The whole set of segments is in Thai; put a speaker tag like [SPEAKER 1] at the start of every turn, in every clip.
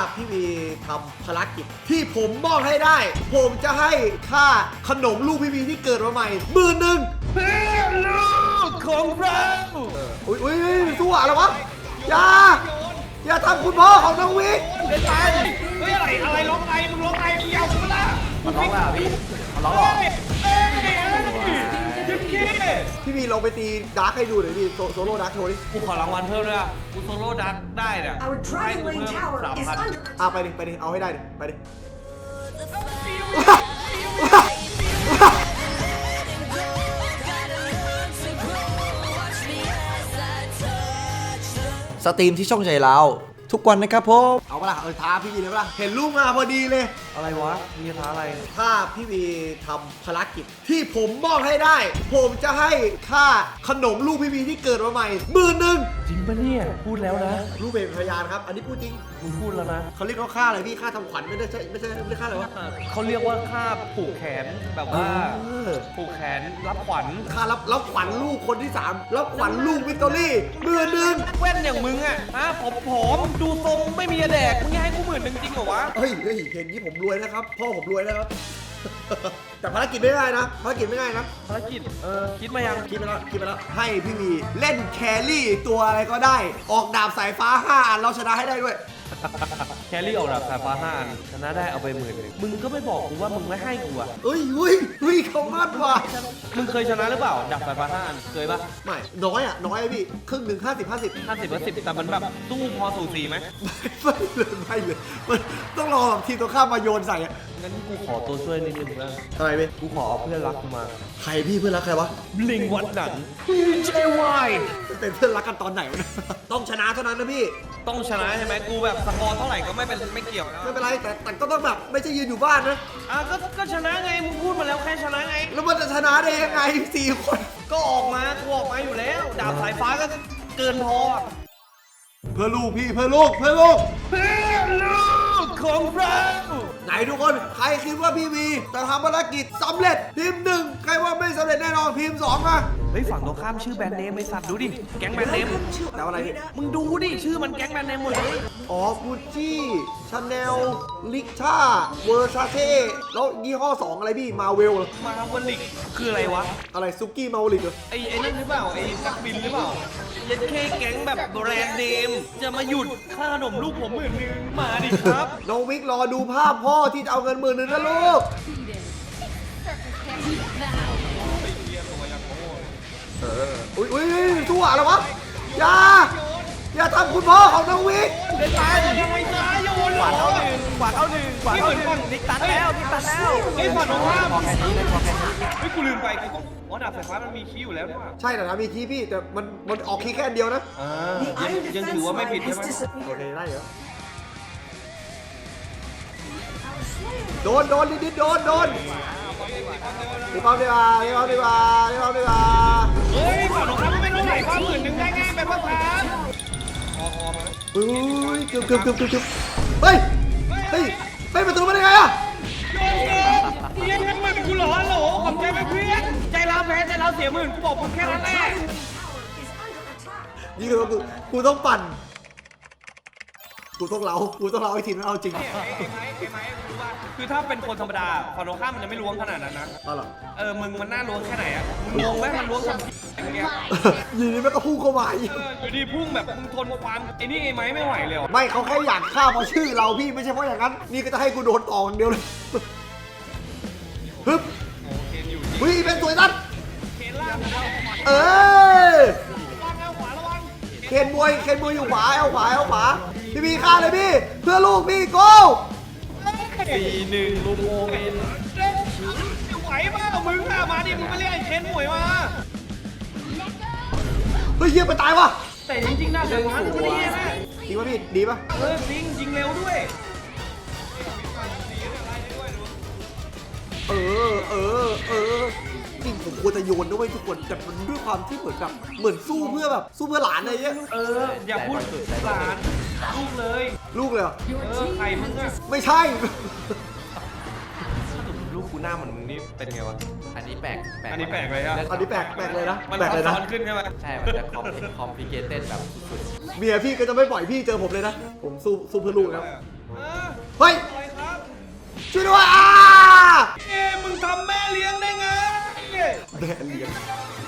[SPEAKER 1] พี่วีทำภารกิจที่ผมมอบให้ได้ ผมจะให้ค่าขนมลูกพี่วีที่เกิดมาใหม่11,000เพื่อลูกของเราอุ้ยสู้อะไรวะอย่าทำคุณพ่อของน้องวิก
[SPEAKER 2] เป็นไปเฮ้ยอะไรร้องไงมึงร้องไงมึงยาวกูละ
[SPEAKER 3] มันร้องแล้วพี่มันร้องหรอ
[SPEAKER 1] พี่วีลองไปตีดาร์กให้ดูหน่อยพี่โซโล่ดาร์กโชว์ดิ
[SPEAKER 2] กูขอรางวัลเพิ่มด้วยอ่ะกูโซโล่ดักได้เนี่ยให้กูเพิ่ม3,000
[SPEAKER 1] ไปดิเอาให้ได้ดิไปดิสตรีมที่ช่องใจเราทุกวันนะครับผมเอาปะล่ะท้าพี่วีเลยปะล่ะเห็นลูกมาพอดีเลย
[SPEAKER 2] อะไรวะมีท้าอะไร
[SPEAKER 1] ถ้าพี่วีทำภารกิจที่ผมมอบให้ได้ ผมจะให้ค่าขนมลูกพี่วีที่เกิดมาใหม่11,000
[SPEAKER 2] จริงปะเนี่ยพูดแล้วนะ
[SPEAKER 1] ลูกเป็นพยานครับอันนี้พูดจริง
[SPEAKER 2] มึงพูดแล้วนะ
[SPEAKER 1] เขาเรียกว่าค่าอะไรพี่ค่าทำขวัญไม่ได้ค่าอะไรวะ
[SPEAKER 2] เขาเรียกว่าค่าผูกแขนแบบว่าผูกแขนรับขวัญ
[SPEAKER 1] ค่ารับขวัญลูกคนที่3รับขวัญลูกวิกตอรี่11,000
[SPEAKER 2] แว่นอย่างมึงอ่ะผอมดูทรงไม่มีแดกมึงให้กู10,000จริงเหรอวะ
[SPEAKER 1] เฮ้ยเห็นนี้ผมรวยนะครับพ่อผมรวยนะครับ แต่ภารกิจไม่ง่ายนะภารกิจไม่ง่ายนะ
[SPEAKER 2] ภารกิจคิดมายัง
[SPEAKER 1] คิดไปแล้วให้พี่วีเล่นแครี่ตัวอะไรก็ได้ออกดาบสายฟ้า5 อันเราชนะให้ได้ด้วย
[SPEAKER 2] แครี่ออกดาบสายฟ้า5 อันชนะได้เอาไป10,000มึงก็ไม่บอกกูว่ามึงไม่ให้กูอ่ะ
[SPEAKER 1] เฮ้ยเขามากว่ะ
[SPEAKER 2] มึงเคยชนะหรือเปล่าดาบสายฟ้า5 อันเคยปะ
[SPEAKER 1] ไม่น้อยพี่ครึ่งหนึ่ง50
[SPEAKER 2] แต่มันแบบสู้พอสูสีไหม
[SPEAKER 1] ไม่เลยมันต้องรอทีมตัวข้ามมาโยนใส่อะ
[SPEAKER 2] งั้นกูขอตัวช่วยนิดนึงนะ
[SPEAKER 1] อะไรพี่
[SPEAKER 2] กูขอเอาเพื่อนรักกูมา
[SPEAKER 1] ใครพี่เพื่อนรักใครวะ
[SPEAKER 2] ลิงวัดหนังเจวาย
[SPEAKER 1] เป็นเพื่อนรักกันตอนไหนวะต้องชนะเท่านั้นนะพี่
[SPEAKER 2] ต้องชนะใช่ไหมกูแบบสกอร์เท่าไหร่ก็ไม่เกี่ยวนะ
[SPEAKER 1] ไม่เป็นไรแต่ก็ต้องแบบไม่ใช่ยืนอยู่บ้านนะ
[SPEAKER 2] ก็ชนะไงมึงพูดมาแล้วแค่ชนะไง
[SPEAKER 1] แล้วมันจะชนะได้ยังไง4 คน
[SPEAKER 2] ก็ออกมากูออกมาอยู่แล้วดาบสายฟ้าก็เกินพอ
[SPEAKER 1] เพื่อลูกพี่เพื่อลูก
[SPEAKER 2] ของเรา
[SPEAKER 1] ไหนทุกคนใครคิดว่าพี่วีจะทำภารกิจสำเร็จพิมพ์1ใครว่าไม่สำเร็จแน่นอนพิมพ์2มา
[SPEAKER 2] เฮ้ยฝั่งตรงข้ามชื่อแบรนด์เนมไอ้สัตว์ดูดิแก๊งแบรนด์เนม
[SPEAKER 1] แต่อะไรนี่
[SPEAKER 2] มึงดูดิชื่อมันแก๊งแบรนด์เนมหมดเลย
[SPEAKER 1] อ๋อกูจี้ชาแนลลิช่าเวอร์ซาเช่แล้วยี่ห้อ2อะไรพี่มาเวล
[SPEAKER 2] ลิกคืออะไรวะ
[SPEAKER 1] อะไรซุกี้มาลิกเหรอ
[SPEAKER 2] ไอ้นั่นหรือเปล่าไอ้นักบินหรือเปล่ายัดเคแก๊งแบบแบรนด์เนมจะมาหยุดค่าขนมลูกผม10,000มาดิครับ
[SPEAKER 1] น้องวิกรอดูภาพพ่อที่จะเอาเงิน10,000นะลูกอุ้ยสู้อะไรวะอย่าทำคุณพ่อของน้องวิก
[SPEAKER 2] เป็นตายยังไงตายโยน
[SPEAKER 3] กวาดเข้าหนึ่งนิกตัดแล้ว
[SPEAKER 2] ไอ้ฝั่งตรงข้ามเฮ้ยกูลืมไปกูต้องดาบสายฟ้ามันมีคีย์อยู่แล้วนี่หว่า
[SPEAKER 1] ใช่แต่นะมีคีย์พี่แต่มันออกคีย์แค่อันเดียวนะ
[SPEAKER 2] ยังถือว่าไม่ผิดใช่ไหม
[SPEAKER 1] โอเคได้เหรอโดนนิดโดนรีบเอาดีกว่าเ
[SPEAKER 2] ฮ้ยฝั่งตรงข้ามไม่ต้องไหลความ10,000ได้ง่ายแบบว่าครับ
[SPEAKER 1] เกือบเฮ้ยประตูมาได้ไงอะ
[SPEAKER 2] เยี่ยมมากกูหล่อขอบใจไหมเพื่อนใจเราแพ้ใจเราเสีย10,000กูบอกมึงแค่นั้นแหละ
[SPEAKER 1] นี่คือกูต้องปั่นกูต้องเล้าไอ้ทีมนั้นเอาจริง
[SPEAKER 2] คือถ้าเป็นคนธรรมดาฝั่งตรงข้ามมันจะไม่ล้วงขนาดนั้นนะมึงมันน่าล้วงแค่ไหนอะมึงงงไหมมันล้วงทำอย่างเงี้ย
[SPEAKER 1] ยีนี่มันก็พุ่งเข้ามา
[SPEAKER 2] อยู่ดีพุ่งแบบมึงทนความไอ้นี่ไอ้ไม้ไม่ไหวเลย
[SPEAKER 1] ไม่เขาแค่อยากฆ่าเพราะชื่อเราพี่ไม่ใช่เพราะอย่างนั้นนี่ก็จะให้กูโดนต่ออย่างเดียวเลยฮึบเป็นสวยนัดเคนมวยอยู่ขวาเอาขวาพี่ฆ่าเลยพี่เพื่อลูกพี่โก้
[SPEAKER 2] 4-1ลูกโมเมนไหวมากมึงมาดิมึงมาเรียกไอ้เคนมวยมา
[SPEAKER 1] เฮ้ยเยี่ยมไปตายวะ
[SPEAKER 2] แต่จริงๆน่าจะมาดูดีนะ
[SPEAKER 1] ดีป่ะพี่ดีป่ะ
[SPEAKER 2] จริงเร็วด้วย
[SPEAKER 1] จริงผมควรจะโยนด้วยทุกคนแต่มันด้วยความที่เหมือนสู้เพื่อหลานอะไรเงี้ย
[SPEAKER 2] อย่าพูดหลานลูกเลย
[SPEAKER 1] เหรอ
[SPEAKER 2] ใครมึงอะ
[SPEAKER 1] ไม่ใช่
[SPEAKER 2] ลูกกูหน้าเหมือนมึงนี่เป็นไงวะ
[SPEAKER 3] อันนี้แปลก
[SPEAKER 2] เลยอะ
[SPEAKER 1] อันนี้แปลกเลยนะ
[SPEAKER 2] มันซับซ้อนขึ้นใช่ไหม
[SPEAKER 3] ใช่มันจะคอมพลิเคเต็ดแบบสุด
[SPEAKER 1] เมียพี่ก็จะไม่ปล่อยพี่เจอผมเลยนะผมสู้เพื่อลูกครับเฮ้ย
[SPEAKER 2] อะไรครับ
[SPEAKER 1] ช่วยด้วย
[SPEAKER 2] มึงทำแม่เลี้ยงได้ไง
[SPEAKER 1] แม่เลี้ยง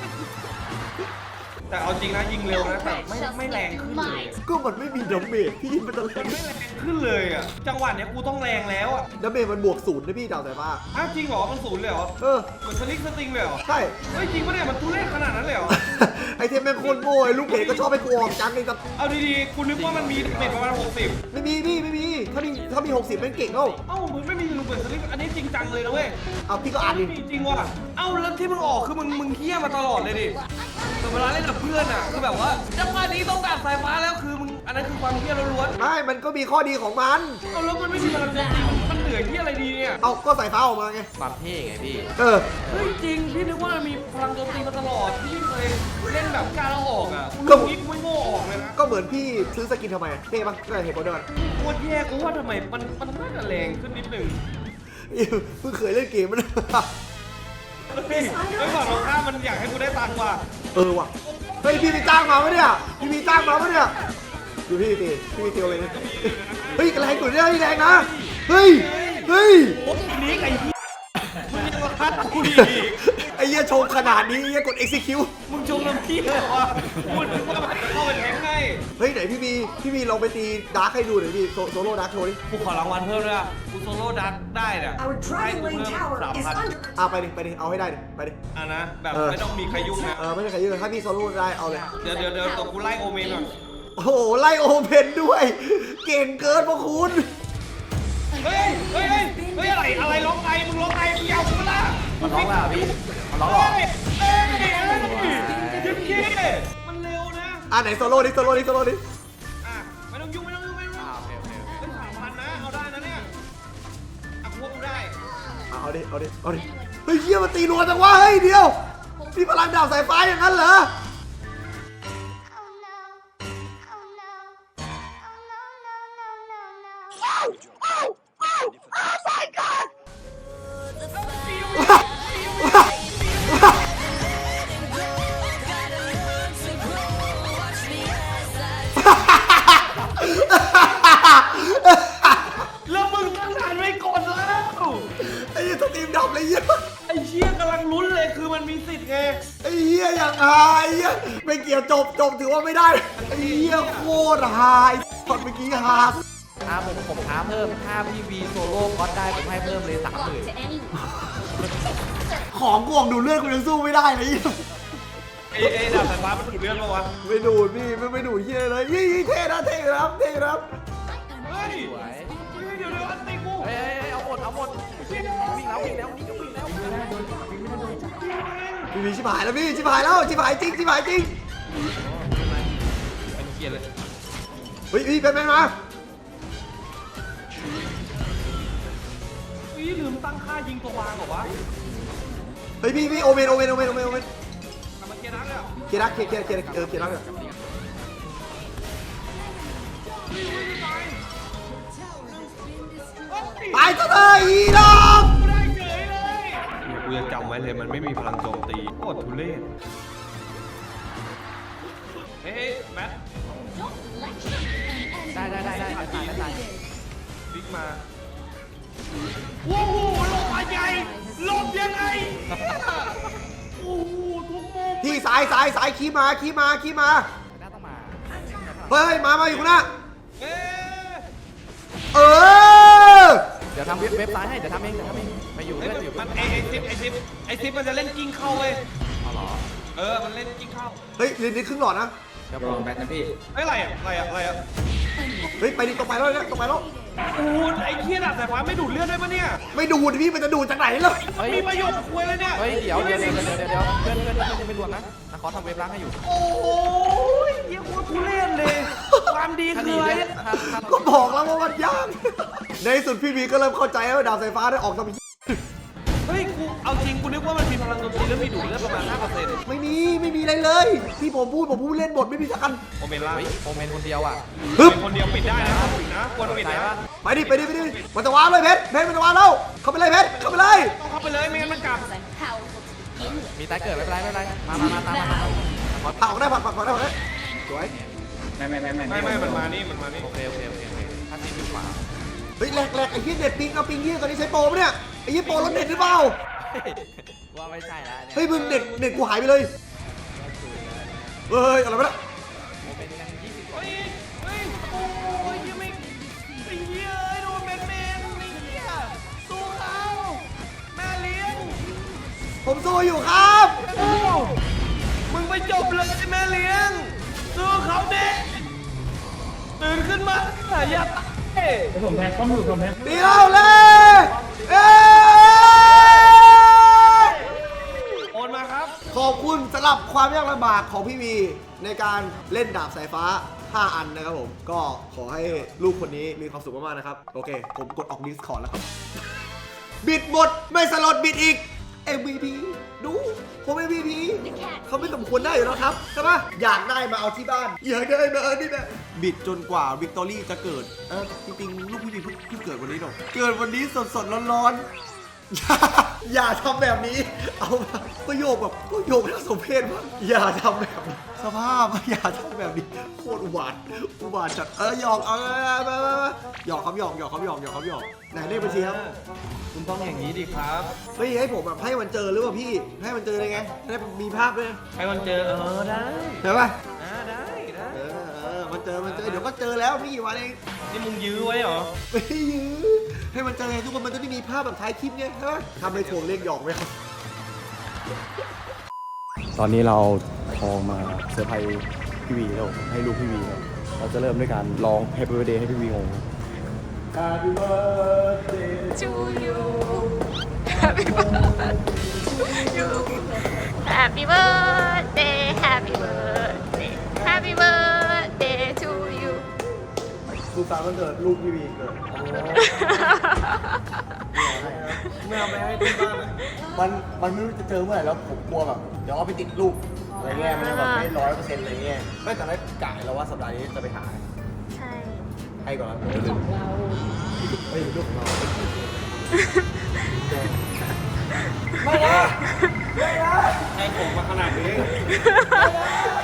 [SPEAKER 2] แต่เอาจริงนะยิงเร็วนะแต่ไม่แรงขึ้นเลย
[SPEAKER 1] ก็มันไม่มีดาเมจพี่มันจะแร
[SPEAKER 2] มัน
[SPEAKER 1] ง
[SPEAKER 2] ไม่แรงขึ้นเลยอ่ะจังหวะเนี้ยกูต้องแรงแล้วอ่ะ
[SPEAKER 1] ดาเมจมันบวก0นะพี่ดาวแต่ว่า
[SPEAKER 2] อ้าวจริงเหรอมันศูนย์เลยเหรอ
[SPEAKER 1] เออ
[SPEAKER 2] เหมือนสลิกสติงเลยเหรอ
[SPEAKER 1] ใช่
[SPEAKER 2] เฮ้ยจริงปะเนี่ยมันทุเรศขนาดนั้นเลยเหรอ
[SPEAKER 1] ไอเทมแม่งโคตรโง่ไอ้ลูกเพจก็ชอบไปกูออกจังเลยแต่
[SPEAKER 2] เอาดีๆกูนึกว่ามันมีเม็ดประมาณ60
[SPEAKER 1] ไม่มีพี่ไม่มีถ้ามี60เป็นเก่งเอ้า
[SPEAKER 2] เอ้ามึงไม่มีลูกเบิร์ดสลิกอันนี้จริงจังเลยนะเว้ย
[SPEAKER 1] เอาพี่ก็อ่านดิ
[SPEAKER 2] ไม่มีจริงว่ะเอ้าแล้วที่มึงออกคือมึงเฮี้ยมาตลอดเลยดิแต่เวลาเล่นกับเพื่อนอ่ะคือแบบว่าจังหวะนี้ต้องแบบสายฟ้าแล้วคือมึงอันนั้นคือความเฮี้ยล้วน
[SPEAKER 1] ไม่มันก็มีข้อดีของมัน
[SPEAKER 2] ๆเอาแล้วมันไม่มีพลังจริงมันเหนื่อยที่อะไรดีเนี่ย
[SPEAKER 1] เอาก็สายฟ้าออกมาไง
[SPEAKER 3] ความเท่ไงพี่
[SPEAKER 1] เออ
[SPEAKER 2] เฮ้ยจริงพี่นึกว่ามันมีพลังโจมตีมาตลอดพี่เคยเล่นแบบกล้าแล้วออกอ่ะกูรู้งี้กูไม่โง่ออกเลยนะ
[SPEAKER 1] ก็เหมือนพี่ซื้อสกินทำไมเท่ปะก็เห็นโมเดิร์น
[SPEAKER 2] โคตรแย่กูว่าทำไมมันน่าจะแรงขึ้นนิดหนึ่ง
[SPEAKER 1] เพิ่งเคยเล่นเกมมัน
[SPEAKER 2] เฮ้ยไม่บอกเราข้ามมันอยากให้กูได้ตังค์ว่ะ
[SPEAKER 1] เออว่ะเฮ้ยพี่มีจ้างมาปะเนี่ยพี่มีจ้างมาปะเนี่ยดูพี่ตีเลยเฮ้ยแรงกว่านี้แรงนะเฮ้ย
[SPEAKER 2] โอ้ยนี่ไอ้เหี้ยมึงยังมาคัดกูอีก
[SPEAKER 1] ไอ้เหี้ยโชว์ขนาดนี้ไอ้เหี้ยกด execute
[SPEAKER 2] มึงชงน้ำพี่เลยวะพูดถึงว่ามันจะเข้าไปแทงให้
[SPEAKER 1] เฮ้ยไหนพี่มีลองไปตีดาร์คให้ดูหน่อยพี่โซโล่ดาร์คโชว์ดิ
[SPEAKER 2] กูขอรางวัลเพิ่มด้วยอ่ะกูโซโล่ดักได้เนี่ย
[SPEAKER 4] Our
[SPEAKER 2] ให้
[SPEAKER 4] Dragon
[SPEAKER 2] กู
[SPEAKER 4] Lane
[SPEAKER 2] เพิ่ม
[SPEAKER 4] Tower is
[SPEAKER 2] 3,000
[SPEAKER 4] under
[SPEAKER 1] ไปดิเอาให้ได้ดิไปดิ
[SPEAKER 2] อ่ะนะแบบ
[SPEAKER 1] เออ
[SPEAKER 2] ไม่ต้องมีใครยุ่งนะ
[SPEAKER 1] ไม่ใช่ใครเยอะถ้าพี่โซโล่ได้เอาเลย
[SPEAKER 2] เดี๋ยวตัวกูไล่โอเมนก่อน
[SPEAKER 1] โอ้โหไล่โอเพนด้วย เก่งเกินพวกคุณ
[SPEAKER 2] เฮ้ยอะไรร้องไงมึงร้องไงมึงยาวกูมาละ
[SPEAKER 3] มันร้องแล้วพี่มันร้องหรอ
[SPEAKER 2] เฮ้ยยิ้มขี้มันเร็วนะ
[SPEAKER 1] ไหนโซโล่ดิ
[SPEAKER 2] อ่ะไม่ต้องยุ่ง
[SPEAKER 3] โอเค
[SPEAKER 2] เป็น3,000นะเอาได้นะเนี่ยอ่ะพวกกูได้
[SPEAKER 1] เอาดิเฮ้ยเหี้ยมันตีรัวจังวะเฮ้ยเดียวนี่พลังดาบสายฟ้าอย่างนั้นเหรอ
[SPEAKER 2] แล้วมึงตั้งนานไม่กดแล้ว
[SPEAKER 1] ไอ้เหี้ยสตรีมดับเลยเหี้ย
[SPEAKER 2] ไอ้เชี่ยกำลังลุ้นเลยคือมันมีสิทธิ์ไง
[SPEAKER 1] ไอ้เหี้ยอย่างฮาไอ้เหี้ยไม่เกี่ยวจบถือว่าไม่ได้ไอ้เหี้ยโคตรฮาไอ้ตอนเมื่อกี้ฮา
[SPEAKER 3] ผมท้าเพิ่มถ้าพี่วีโซโล่ก็ได้ผมให้เพิ่มเลย30,000
[SPEAKER 1] ของกวงดูเลือดกูยังสู้ไม่ได้เลย
[SPEAKER 2] ไอ้ดาบสายฟ้ามันถูกเลื่อนมาวะ
[SPEAKER 1] ไม่ดูดพี่ไม่ดูดเหี้ยเลยยี่เท่นะเท่ครับ
[SPEAKER 2] เฮ้ย
[SPEAKER 3] สวย
[SPEAKER 2] เดี๋ยวอันตีกู
[SPEAKER 3] เฮ้ยเอาหมดวิ่งแล้วนี่ก็วิ่งแล้ว
[SPEAKER 1] พี่ชิบหายแล้วพี่ชิบหายจริง
[SPEAKER 2] เป็นเกียร์เลย
[SPEAKER 1] เฮ้ยพี่เป็นมา
[SPEAKER 2] ลืมตั้งค่ายิงตัววางเหรอวะ
[SPEAKER 1] เฮ้ยพี่โอเมน
[SPEAKER 2] กลับมาเกียร์นักเลยเหรอ
[SPEAKER 1] เกียร์รักเลยตายซะเลยอีดอก
[SPEAKER 2] กูได้เฉยเลยกูจะจำไว้เลยมันไม่มีพลังโจมตีโคตรทุเรศเฮ้ยแมท
[SPEAKER 3] ได้
[SPEAKER 2] บิ๊กมาว้าวลงมาใหญ่ลงยังไงโอ้โหทุกมุม
[SPEAKER 1] พี่สายขี้มา
[SPEAKER 3] น่าต้องมา
[SPEAKER 1] เฮ้ยมาอยู่ข้างหน้า
[SPEAKER 2] เอ๊ะ
[SPEAKER 1] เออ
[SPEAKER 3] เดี๋ยวทำเว็บไซต์ให้เดี๋ยวทำเองไปอยู่
[SPEAKER 2] เฮ้ย
[SPEAKER 3] เล่นอยู่
[SPEAKER 2] มันไอซิปมันจะเล่นกิ้งเข้าเว้ย
[SPEAKER 3] เอาหรอ
[SPEAKER 2] มันเล่นกิ้งเข้า
[SPEAKER 1] เฮ้ยลินนี่ครึ่งหลอดนะ
[SPEAKER 3] เดี๋ยวลองแบทนะพี่
[SPEAKER 2] เฮ้ยอะไรอ่ะ
[SPEAKER 1] เฮ้ยไปดิตรงไปแล้วเนี่ยตรงไปแล้ว
[SPEAKER 2] โอ้ไอ้เคียดอะแต่ว่าไม่ดูดเลือดได้ปะเนี่ย
[SPEAKER 1] ไม่ดูดพี่มันจะดูดจากไหนเลย
[SPEAKER 2] มีประโยชน์คุยเลยเนี่ย
[SPEAKER 3] เฮ้ยเดี๋ยวเพื่อนยังไม่รวมนะนะขอทำเว็บล้างให้อยู่
[SPEAKER 2] โอ้ยเยี่ยมว่าทุเรศเลย ความดีคืออะไรเนี่ย
[SPEAKER 1] ก็บอกแล้วว่ามันยากในที่สุดพี่บีก็เริ่มเข้าใจว่าดาบสายฟ้าได้ออกทำ
[SPEAKER 2] เฮ้ยกูเอาจริงกูนึกว่ามันมีพลังโจมตีแล้วมีดูดเลือดประมาณ 5%
[SPEAKER 1] ไม่มีอะไรเลย ที่ผมพูดเล่นบทไม่มีสักอัน
[SPEAKER 2] โอเมนล่า
[SPEAKER 3] เฮ้ยโอเมนคนเดียวอ่ะ
[SPEAKER 1] ฮึบ
[SPEAKER 2] เป็นคนเดียวปิดได้นะปิดนะควรปิดนะ
[SPEAKER 1] ไปดิมันจะวางเลยเพชรมันจะวางแล้วเข้าไปเลยเพชรเข้าไปเลย
[SPEAKER 2] ต้องเข้าไปเลยไม่งั้นมันกลับ
[SPEAKER 3] มีตายเกิดไม่เป็นไรมาตามมา
[SPEAKER 1] ผักออกได้ผักได้สวย
[SPEAKER 2] ไม่มันมานี่
[SPEAKER 3] โอเคถ้าทีมอยู่ขวา
[SPEAKER 1] ฮ้ยแหลกไอ้เหี้ยเน็ตปิงเอาปิงเหี้ยตอนนี้ใช้โปรปะเนี่ยไอ้เหี้ยโปรรถเน็ตหรือเปล่า
[SPEAKER 3] ว่าไม่ใช่แล้ว
[SPEAKER 1] เฮ้ยมึงเน็ตกูหายไปเลยเฮ้ยอะไรวะเนี่ย
[SPEAKER 3] เป็นกัน20
[SPEAKER 2] เฮ้ยโอ้ยยังไม่ไอ้เหี้ยโดนแมนไอ้เหี้ยสู้เขาแม่เลี้ยง
[SPEAKER 1] ผมสู้อยู่ครับ
[SPEAKER 2] มึงไปจบเลยแม่เลี้ยงสู้เขาเด็กตื่นขึ้นมาอย่าตาย
[SPEAKER 4] ผมแพ้ต้องอยู่ผมแพ้
[SPEAKER 1] ตีเราเลยเอ้ย
[SPEAKER 2] โอนมาครับ
[SPEAKER 1] ขอบคุณสำหรับความยากลำบากของพี่วีในการเล่นดาบสายฟ้า 5 อันนะครับผมก็ขอให้ลูกคนนี้มีความสุขมากๆนะครับโอเคผมกดออก Discord แล้วครับ บิดหมดไม่สลดบิดอีก MVP ดูผม MVP เขาไม่สมควรได้อยู่แล้วครับใช่ปะอยากได้มาเอาที่บ้านอยากได้มาเอาที่บ้านบิดจนกว่าวิกตอรี่จะเกิดจริงๆลูกพี่พีเพิ่งเกิดวันนี้หรอกเกิดวันนี้สดๆร้อนๆอย่าทำแบบนี้เอาก็โยกแบบก็โยกทั้งสมเพศมากอย่าทำแบบนี้สภาพอย่าทำแบบนี้โคตรอุบาทจัดหยอกเอามาหยอกครับหยอกไหนเลขบัญชีครับ
[SPEAKER 2] คุณต้องอย่างนี้ดิครับ
[SPEAKER 1] เฮ้ยให้ผมแบบให้มันเจอหรือเปล่าพี่ให้มันเจอได้ไงให้มีภาพด้วย
[SPEAKER 2] ให้มันเจอได้
[SPEAKER 1] ใช่ป่ะ
[SPEAKER 2] ได้
[SPEAKER 1] มันเจอเดี๋ยวก็เจอแล้วไม่กี่วันเอง
[SPEAKER 2] นี่มึงยื้อไว้เหรอ
[SPEAKER 1] ไม่ยื้อให้มันเจอไงทุกคนมันจะได้มีภาพแบบท้ายคลิปไงใช่ป่ะทำไปถ่วงเรียกหยอกไหมครับ
[SPEAKER 5] ตอนนี้เราทองมาเซอร์ไพรส์พี่วีแล้วให้ลูกพี่วีครับเราจะเริ่มด้วยการร้อง Happy Birthday ให้พี่วีงง Happy Birthday
[SPEAKER 6] to you Happy birthday to you Happy birthday Happy birthday Happy birthday to you
[SPEAKER 1] สุขสันต์วันเกิดลูกพี่วีเกิด
[SPEAKER 2] ไม่เอาไปให้ที่บ้านอ่ะ
[SPEAKER 1] มันไม่รู้จะเจอเมื่อไหร่แล้วผมกลัวแบบเดี๋ยวเอาไปติดลูกอะไรเงี้ยมันจะแบบไม่100%อะไรเงี้ยไม่แต่ได้กะแล้วว่าสัปดาห์นี้จะไปหา
[SPEAKER 6] ใช่
[SPEAKER 1] ให้ก่อนนะของเราไม่ลูกของเรา
[SPEAKER 2] ให้ผมมาขนาดนี้